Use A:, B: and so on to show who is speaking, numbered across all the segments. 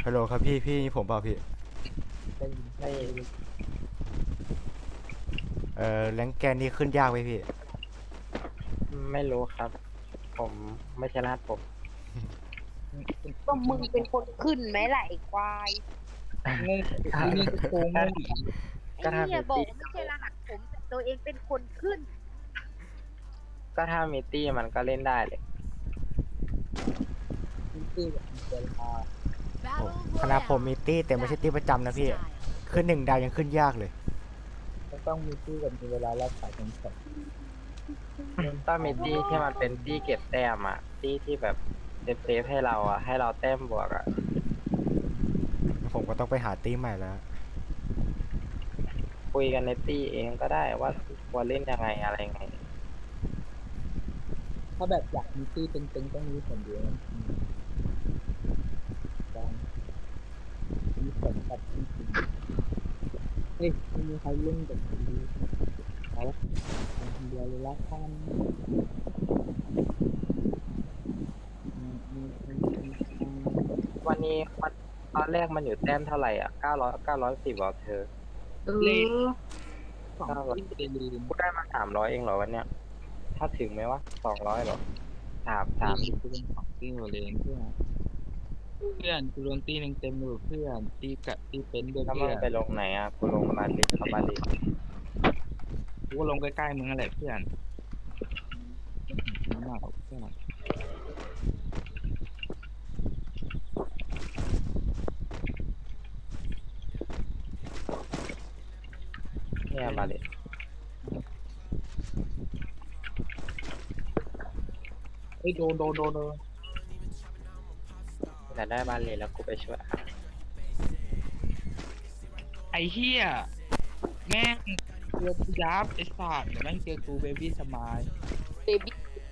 A: ฮัลโหลครับพี่ผมเปล่าพี่
B: ได้
A: แรงแกนนี่ขึ้นยากไหมพี่
B: ไม่รู้ครับผมไม่ใช่รหัสผม
C: ก็มึงเป็นคนขึ้นไหมล่ะไอ้ควาย
D: งงไอ้นี่ก็โกงงงอีก
C: ไอ้
B: ก็ถ้า
C: เนี่ยบอก
B: มีตี้
C: ว่าไม่ใช่รหัสผมแต่ตัวเองเป็นคนขึ้น
B: ก็ถ้ามีตี้มันก็เล่นได้เลย
D: ที่แบบมีเวลา
A: คณะผมมีตี้แต่ไม่ใช่ตี้ประจำนะพี่ขึ้น1 ดาวยังขึ้นยากเลย
D: ก็ต้องมีที่กับมีเวลารักษาเป็นสด
B: ต้องมีตี้ที่มันเป็นตี้เก็บแต้มอ่ะตี้ที่แบบเซฟให้เราอ่ะให้เราแต้มบวกอ่ะ
A: ผมก็ต้องไปหาตี้ใหม่แล้ว
B: คุยกันในตี้เองก็ได้ว่าควรเล่นยังไงอะไรไง
D: ถ้าแบบอยากมีที่เป็นต้องมีผลเดียวการมีผลกับที่จริงเฮ้ยไม่มีใครเล่นแบบนี้เอาละคนเดียวเลยละกันอืม
B: วันนี้วันตอนแรกมันอยู่แต้มเท่าไหร่อ่ะ910บอกเธอ
D: เลขสองที่เดลีน
B: กูได้มา300เองเหรอวันเนี้ยถ้าถึงไหมวะ200เหรอสาม
D: กูเป็นสองที่เลนเพื่อนกูโดนตีหนึ่งเต็มเลยเพื่อนตีกะตีเป็นด้วย
B: แล้วมึ
D: เพื่
B: ง
D: อน
B: ไปลงไหนอ่ะกูลงบาลิกกับบาลิก
D: กูก็ลงใกล้ๆมึงนั่นแหละเพื่อนมากเพื่อน
B: เนี่ยบาลิก
D: เฮ้ยโดน
B: แต่ได้บาลิกแล้วกูไปช่วยอ่ะ
D: ไอ้เหี้ยแม่งเจอกูยับไอ้สัตว์เดี๋ยวแม่งเจอกูเบบี้สมาย
C: เบบี้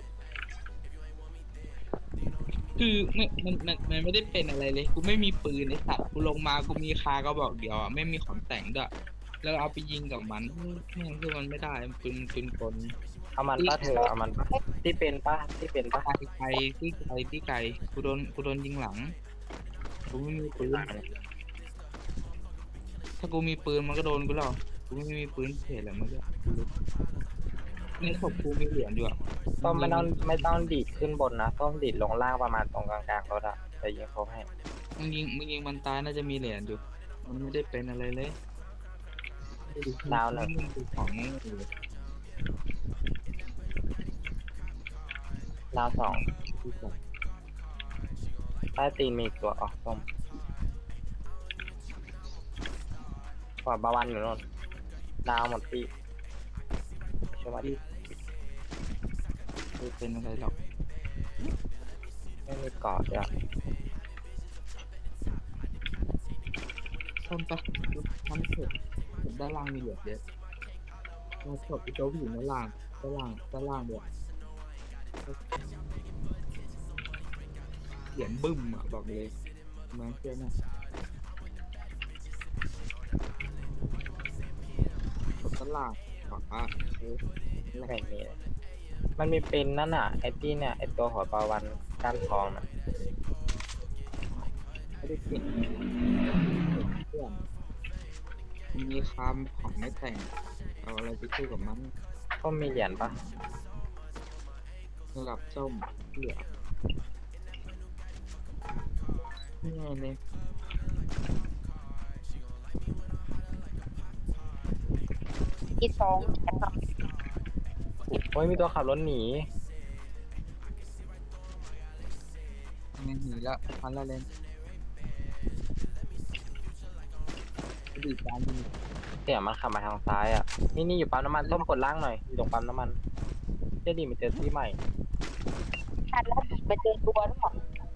D: คือมันไม่ได้เป็นอะไรเลยกูไม่มีปืนไอ้สัตว์กูลงมากูมีคาก็บอกเดียวอ่ะไม่มีของแต่งด้วยแล้วเอาไปยิงกับมันแม่งคือมันไม่ได้มันปืนกล
B: เอามันป้าเธอเอามันป้าที่เป็นป้า
D: ไกลที่ไกลกูโดนยิงหลังกูไม่มีปืนถ้ากูมีปืนมันก็โดนกูหรอกกูไม่มีปืนเฉยแหละมันก็ในศพกูมีเหรียญอยู่อ่ะ
B: ต้มไม่ต้องดีดขึ้นบนนะต้มดีดลงล่างประมาณตรงกลางๆรถอ่ะจะยิงเขาให้
D: มึงยิงมันตายน่าจะมีเหรียญอยู่มันไม่ได้เป็นอะไรเลย
B: ดาวหนึ่ง
D: ของนี่อยู่
B: ดาว2
D: ที่แบบ
B: ใต้ตีนมีอีกตัวอ๋อต้มขวาบาวันอยู่โน่นดาวหมดที่ช่วยมาดิ
D: ไม่เป็นอะไรหรอก
B: ไม่มีเกาะด้วย
D: ต้นปะทำเสร็จด้านล่างมีเหรียญเยอะเราศพอีโต้อยู่ด้านล่างด้วยเหรียญบึ้มอ่ะบอกเลยมาเชื่อนะด้านล่างบอกว่า
B: ไม่เห็นมีเลยมันมีเป็นนั่นน่ะไอ้ที่เนี่ยไอ้ตัวหัวปลาวันก้านทองน่ะ
D: ไม่ได้เก่งเพื่อนมีคำของไม่แต่งเอาอะไรไปสู้กับมัน
B: ก็มีเหรียญปะ
D: ระดับส้มเหลือนี่ไงเนี่ย
C: อีสองแต่ครับ
B: โอ้ยมีตัวขับรถหนี
D: หนีแล้วพันละเลนดีการดี
B: เสียงมันขับมาทางซ้ายอ่ะนี่อยู่ปั๊มน้ำมันต้มกดล่างหน่อยอยู่ตรงปั๊มน้ำมันเจ๊ดีมันเจอที่ใหม่
C: ทันแล้วไปเจอตัวหรือเปล่า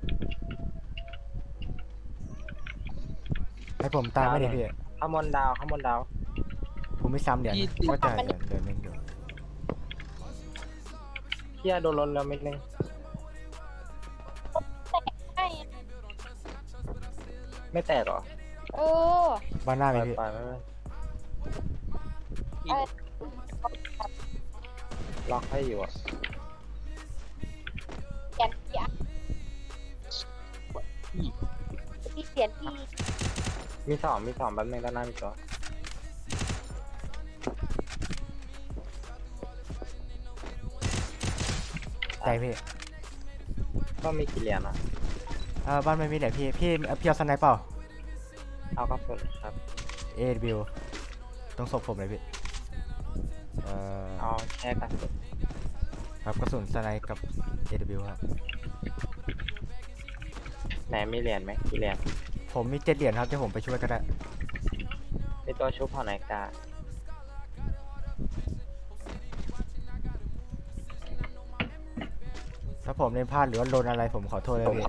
A: ให้ผมตายไหมดิพี่
B: ข้างบนดาว
A: ผมไม่ซ้ำเหรียญก็จะเหรียญนึงอยู่
B: เที่ยโดนรถแล้วเม็ดนึง
C: ใช่
B: ไม่แตกเหรอ
C: เออ
A: บ้านหน้า
B: ไป
A: มีพี่
B: ไปไม่เป็นล็อกให้อยู่อ่ะ
C: ยันยัน
D: อีก
C: ที่เสียนพี่
B: มีสองแป๊บนึงด้านหน้ามีตัว
A: ใจพี่
B: ก็มีกี่เหรียญนะ
A: บ้านไม่มีเหรียญพี่เอาสไนเปอร์
B: เอากระสุนครับ
A: AW ต้องศพผมเลยพี่อ
B: เอาแค่กระสุน
A: ครับกระสุนสไนกับ AW ครับ
B: ไหนมีเหรียญไหมกี่เหรียญ
A: ผมมี7 เหรียญครับที่ผมไปช่วยก็ได้
B: มีตัวชุบหอนาฬิกา
A: ถ้าผมเล่นพลาดหรือว่าโดนอะไรผมขอโทษเลยพี่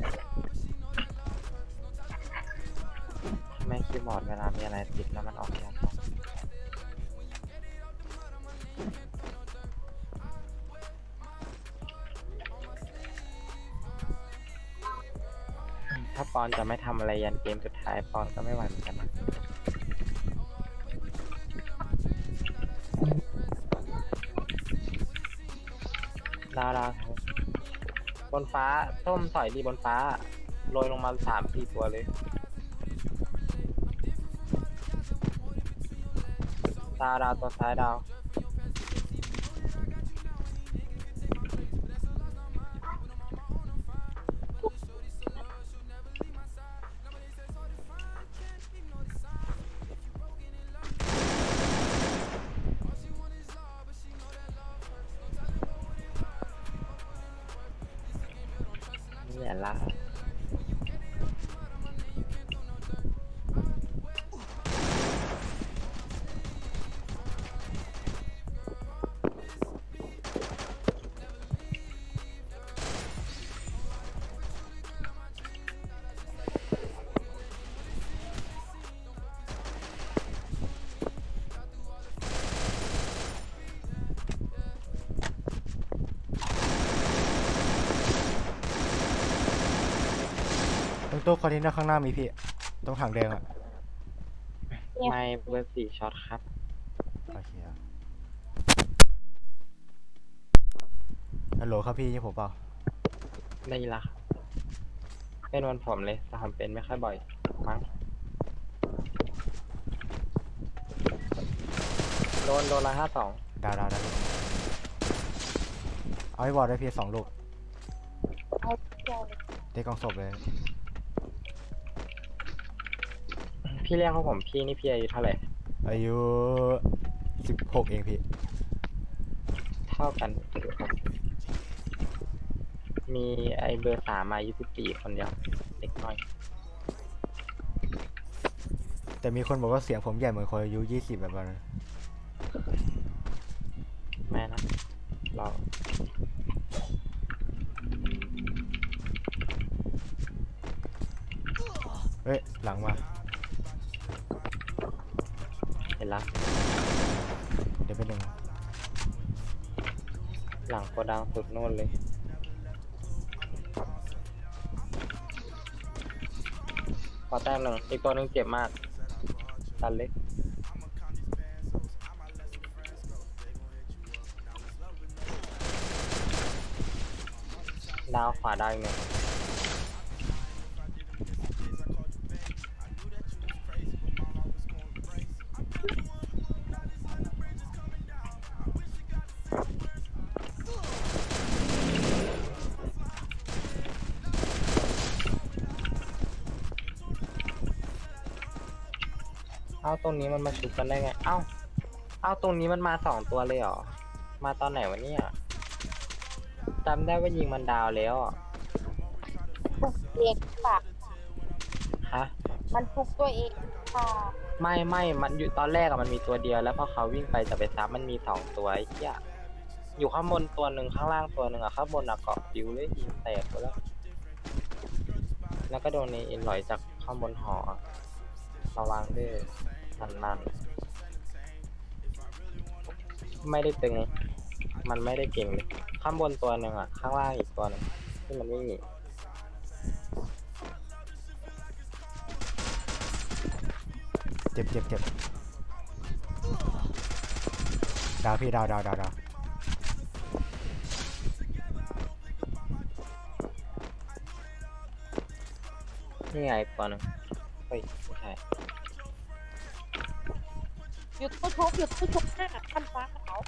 B: ไม่คีย์บอร์ดเวลามีอะไรติดแล้วมันออกยากถ้าปอนจะไม่ทำอะไรยันเกมสุดท้ายปอนก็ไม่ไหวเหมือนกันนะดาวบนฟ้าส้มสอยดีบนฟ้าโรยลงมา3-4 ตัวเลยดาวตัวซ้ายดาวนี่แหละละ
A: ตรงตู้คอนเทนเนอร์ข้างหน้ามีพี่ตรงถังแดงอะ
B: ไม่เบอร์4ช็อตครับ
A: โอเคครับฮัลโหลครับพี่นี่ผมเปล่า
B: ได้ยินละครับเป็นวันผมเลยแต่ผมเป็นไม่ค่อยบ่อยมั้งโดน152
A: ดาวเอาไว้บอลได้พี่2 ลูก
C: เอาเจ้าเลย
A: เตะกองศพเลย
B: พี่เรียกเขาผมพี่นี่พี่อายุเท่าไหร่
A: อายุ16เองพี่
B: เท่ากันครับมีไอเบอร์3มาอายุ14คนเดียวเด็กน้อย
A: แต่มีคนบอกว่าเสียงผมใหญ่เหมือนคนอายุ20แบบนั้น
B: แม่นะเรา
A: เฮ้ยหลังมา
B: เห็นละ
A: เดี๋ยวเป็นหนึ่ง
B: หลังโกดังสุดโน่นเลยขอแต้มหนึ่งอีกตัวหนึ่งเจ็บมากตันเล็กดาวขวาได้อีกหนึ่งเอ้าตรงนี้มันมาชุบกันได้ไง เอ้าตรงนี้มันมา2 ตัวเลยเหรอ มาตอนไหนวะเนี่ยจำได้ว่ายิงมันดาวแล้วอะ
C: ทุกเองค่ะ
B: ฮะ
C: มันทุกตัวเองค่ะ
B: ไม่มันอยู่ตอนแรกอะมันมีตัวเดียวแล้วพอเขาวิ่งไปจะไปซับมันมี2 ตัวไอ้เหี้ยอยู่ข้างบนตัวหนึ่งข้างล่างตัวหนึ่งอะข้างบนอะเกาะปิวเลยยิงแตกไปแล้วก็โดนในอินลอยจากข้างบนหอระวังด้วยนันไม่ได้ตึงมันไม่ได้เก่งเลยข้างบนตัวหนึ่งอะข้างล่างอีกตัวหนึงที่มันไม่มี
A: เจ็บดาวพี่ดาว
B: นี่ไงอีกตัวหนึงเฮ้ยไม่ใช่
C: หยุดตู้ชุบหยุดตู้ชุบหน้าคันฟ้าขาว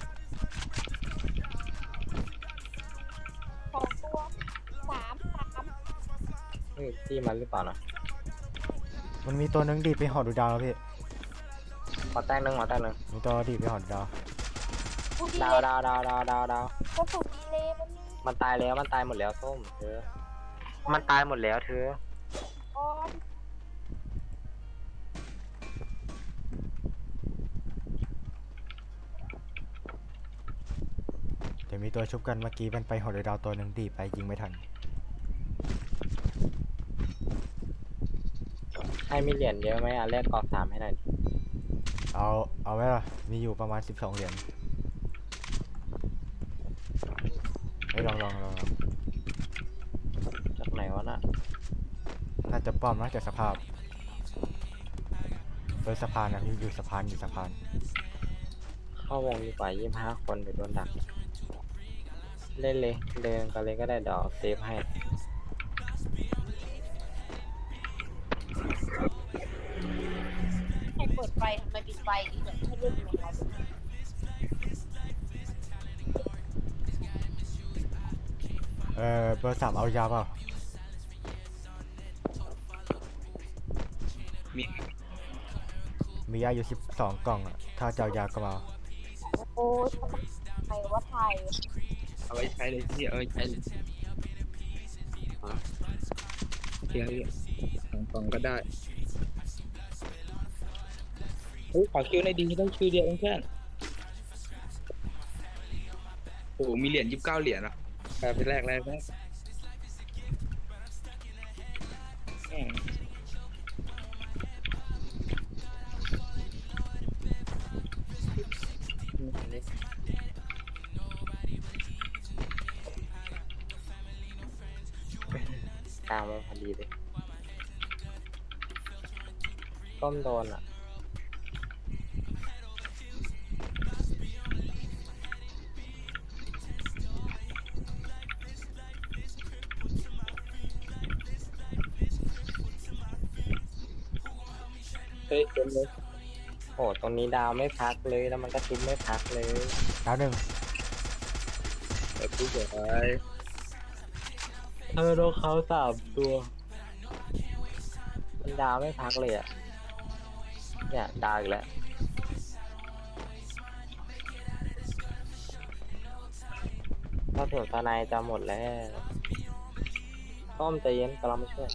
C: 2 ตัว 3
B: เฮ้ยที่มันหรือเปล่านะ
A: มันมีตัวนึงดีดไปหอดูดาวแล้วพี่
B: ขอแต้งหนึ่งขอแต้งหนึ่ง
A: มีตัวดีดไปหอดูดาว
C: กูดี
B: ดา
C: เล
B: วย ดาวดาวดาวดาวดาว
C: ก็สุดดีเลยมันมี
B: มันตายแล้วมันตายหมดแล้วส้มเธอมันตายหมดแล้วเธอ
C: ออน
A: เดี๋ยวมีตัวชุบกันเมื่อกี้มันไปหอดูดาวตัวนึงดีดไปยิงไม่ทัน
B: ให้มีเหรียญเยอะไหมอ่ะแลกกรอบ3ให้หน่อยดิ
A: เอาไว้ล่ะมีอยู่ประมาณ12 เหรียญเฮ้ยลอง
B: จากไหนวะน่ะ
A: น่าจะป้อมน่าจะสภาพโดยสะพานนะพี่อยู่สะพาน
B: เข้าวงดีกว่า25 คนเดี๋ยวโดนดัก เล่นเลยเดินกันเลยก็ได้เดี๋ยวเซฟให้
C: ให้เปิดไฟทำไมปิดไฟดีเหมือนให้เล่นยังไง
A: เบอร์ 3เอายาเปล่า
D: มี
A: มียาอยู่12 กล่องอะถ้าจะเอายาก็มา
C: โอ้ยใครว่าไทย
D: เอาไว้ใช้เลยพี่เอาไว้ใช้เลยเดี๋ยว2 กล่องก็ได้เฮ้ยขอคิวในอยดีได้คิวเดียวเองเพื่อนโอ้โหมีเหรียญ29 เหรียญอ่ะไปแรกแม่ง
B: กลางวงพอดีเลยต้มโดนอ่ะ
D: เฮ้ยเต็มเลย
B: โอ้ตรงนี้ดาวไม่พักเลยแล้วมันก็ชุบไม่พักเลย
A: ดาวหนึ่ง
D: เดี๋ยวพี่เดี๋ยวไป
B: โดนเขา3 ตัว มันดาวไม่พักเลยอ่ะ เนี่ยดาวอีกแล้วถ้าถึงตาในจะหมดแล้วต้มใจเย็นกำลังมาช่วย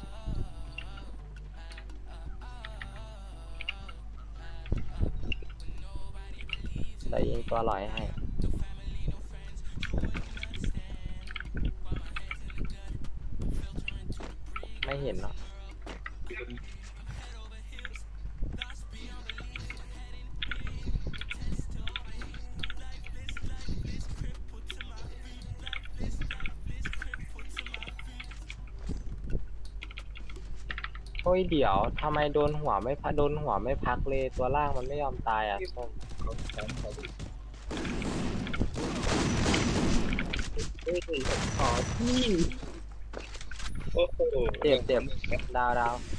B: แต่ยิงตัวลอยให้ ไม่เห็นเนาะ โอ้ยเดี๋ยวทำไมโดนหัวไม่พักเลยตัวล่างมันไม่ยอมตายอ่ะส้ม
D: เฮ้ยขอที่โอ้โห
B: เจ็บดาว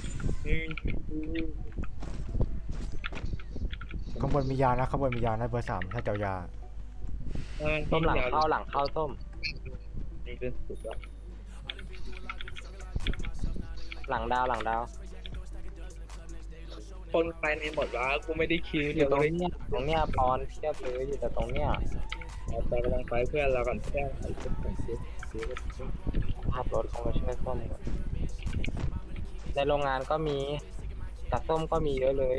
A: ข้างบนมียานะข้างบนมียานะเบอร์ 3ถ้าจะเอายา
B: ส้มหลังเข้าส้ม
D: นี่เป็นสุดแล้ว
B: หลังดาว
D: คนภายในหมดวะกูไม่ได้คิว
B: อ
D: เดี๋ย
B: ยู่
D: ว
B: ตรง
D: เลย
B: เนี้ยปอนเทียบเลยอยู่แต่ตรงเนี้ย
D: แต่กำลังไปเพื่อนเราก่อนเพื่อนไอ้ชุดของซื้อ
B: ขับรถเข้ามาช่วยส้มก่อนในโรงงานก็มีแต่ส้มก็มีเยอะเลย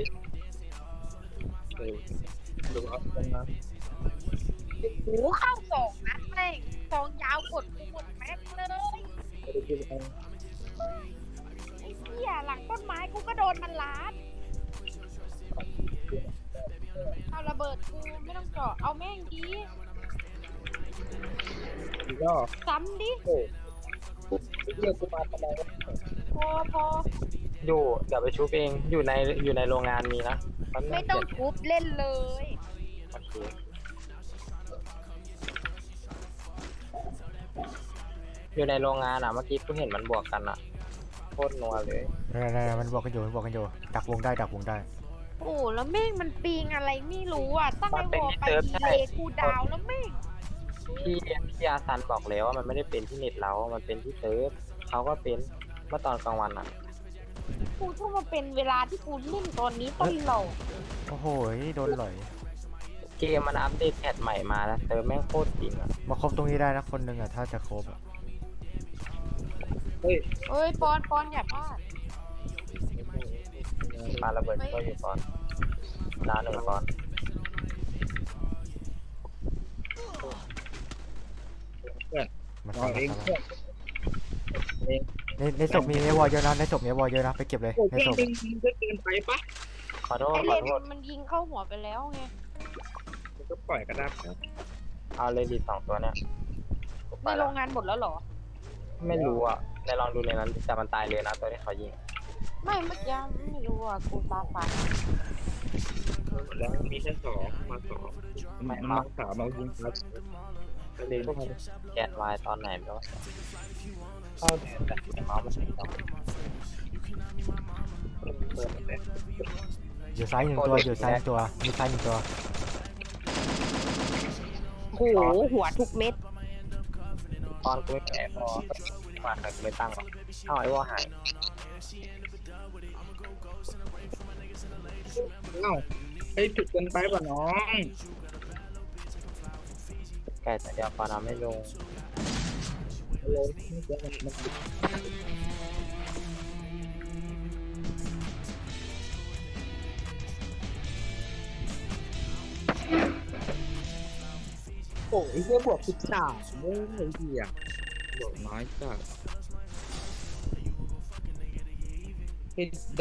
D: ดูเอาตรงนั้น
C: โอ้เข้า2 นัดแม่ง2 ยาวกดกูหมดแม็กเลย
D: ไม่ได้คิวเอา
C: ไอ้เหี้ยหลังต้นไม้กูก็โดนมันลัดเอาระเบิดกูไม่ต้องเจาะเอาแม่งดี
D: อีกรอบ
C: ซ้ำดิ
D: โอ้เรียกกูมาทำไมวะ
C: พอ
B: อยู่เดี๋ยวไปชุบเองอยู่ในโรงงานมีนะแป๊บนึ
C: ไม่ต้อง
B: เดี๋ยว
C: ทุบเล่นเลย
B: โอเคอยู่ในโรงงานอ่ะเมื่อกี้กูเห็นมันบวกกันอ่ะโคตรนัวเลย
A: นั่นมันบอกกันอยู่ดักวงได้
C: โอ้แล้วแม่งมันปิงอะไรไม่รู้อ่ะตั้งไอ้วอลไปดีเลย์กูดาวแล้วแม่ง
B: พี่อาซันบอกแล้วว่ามันไม่ได้เป็นที่เน็ตเรา มันเป็นที่เซิร์ฟเขาก็เป็นเมื่อตอนกลางวันอ่ะ
C: กูต้องมาเป็นเวลาที่กูเล่นตอนนี้ตลอด
A: โอ้โหโดนหลอย
B: เกมมันอัปเดตแพทใหม่มาแล้วเซิร์ฟแม่งโคตรจริงอ่ะ
A: มาครบตรงนี้ได้นะคนหนึ่งอ่ะถ้าจะครบอ่ะ
D: เฮ้ย
C: เอ้ยปอนอย่าพลาด
B: ปาระเบิดก็อยู่ก่อนดาวหนึ่งก่อน
A: มา
D: เอาเองเพื่อนเอง
A: ในศพมีวอลเยอะนะไปเก็บเลย
D: โอ้
A: ใน
D: เก่ง
A: ศพ
D: จริงก็เกินไปปะ
B: ขอโทษ
C: ไอ้
B: ข
C: เล
B: อน โทษ
C: มันยิงเข้าหัวไปแล้วไง
D: มันก็ปล่อยก็ได้ครับ
B: เอาเลยดี2ตัวเนี่ยกู
C: ใน
B: ไป
C: โร
B: ละ
C: งงานหมดแล้วเหรอ
B: ไม่รู้อ่ะในลองดูในนั้นแต่มันตายเลยนะตัวที่เขายิง
C: ไม่เมื่อกี้ไม่รู้อ่ะกูตาฝาด
D: แล้วมีแค่2มา2มา3มายิงครับ
B: ก็เลยแกนวายตอนไหนไม่รู้เข้าเดือนแต่เมาส์มันถึงต้องเปิดเลย
A: อยู่ซ้ายหนึ่งตัวมีซ้ายหนึ่งตัว
C: โหหัวทุกเม็ด
B: ตอนกูไม่แก่พอมาแต่กูไม่ตั้งหรอกเอาไอ้วอหาย
D: เอ้าไอ้จุดเกินไปป่ะน้อง
B: แก่แต่เดียวพอทำไม่ลง
D: เลยไม่เจอมันโอ้ยเหี้ยบวก13เลยไอ้เหี้ยบวกน้อยจัดเฮ้ยได้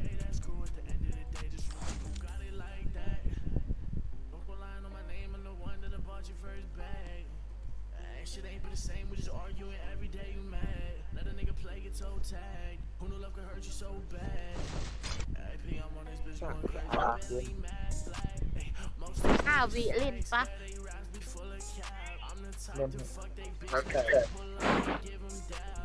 C: 5 วิเล่นปะ
B: เล่น
D: แล้วแต่